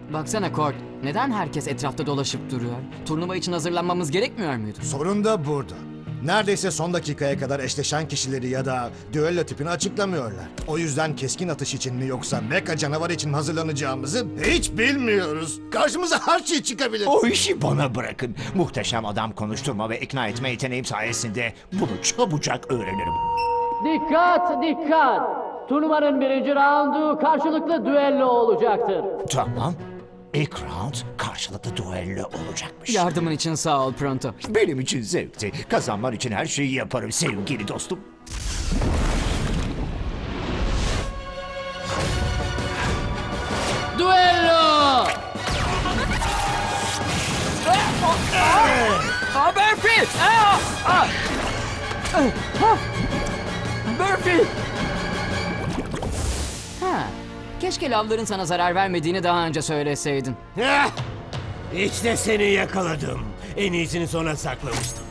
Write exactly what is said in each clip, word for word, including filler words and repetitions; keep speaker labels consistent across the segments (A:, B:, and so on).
A: Baksana Kort, neden herkes etrafta dolaşıp duruyor? Turnuva için hazırlanmamız gerekmiyor muydu?
B: Sorun da burada. Neredeyse son dakikaya kadar eşleşen kişileri ya da düello tipini açıklamıyorlar. O yüzden keskin atış için mi yoksa mecha canavar için mi hazırlanacağımızı hiç bilmiyoruz. Karşımıza her şey çıkabilir.
C: O işi bana bırakın. Muhteşem adam konuşturma ve ikna etme yeteneğim sayesinde bunu çabucak öğrenirim.
D: Dikkat dikkat! Turnuvanın birinci raundu karşılıklı düello olacaktır.
C: Tamam. İlk round karşılıklı düello olacakmış.
A: Yardımın için sağ ol Pronto.
C: Benim için zevkti. Kazanman için her şeyi yaparım sevgili dostum.
D: Düello!
A: Aa, Burfi! Aa! Aa! Ah! Burfi! Ha, keşke lavların sana zarar vermediğini daha önce söyleseydin.
E: Heh! İşte seni yakaladım. En iyisini sona saklamıştım.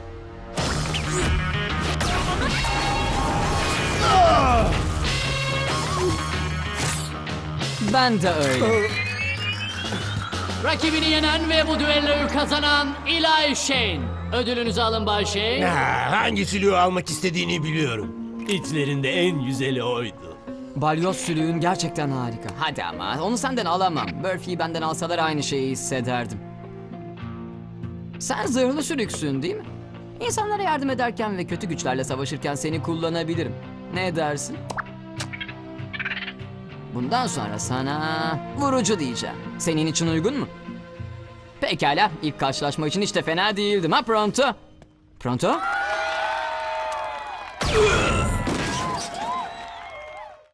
A: Ben de öyle.
D: Rakibini yenen ve bu düelloyu kazanan Eli Shane. Ödülünüzü alın Bay Shane.
E: Ha, hangi silüğü almak istediğini biliyorum. İçlerinde en güzeli oydu.
A: Balyoz sülüğün gerçekten harika. Hadi ama onu senden alamam. Burfi'yi benden alsalar aynı şeyi hissederdim. Sen zırhlı sülüksün değil mi? İnsanlara yardım ederken ve kötü güçlerle savaşırken seni kullanabilirim. Ne dersin? Bundan sonra sana vurucu diyeceğim. Senin için uygun mu? Pekala, ilk karşılaşma için hiç de fena değildim ha Pronto? Pronto?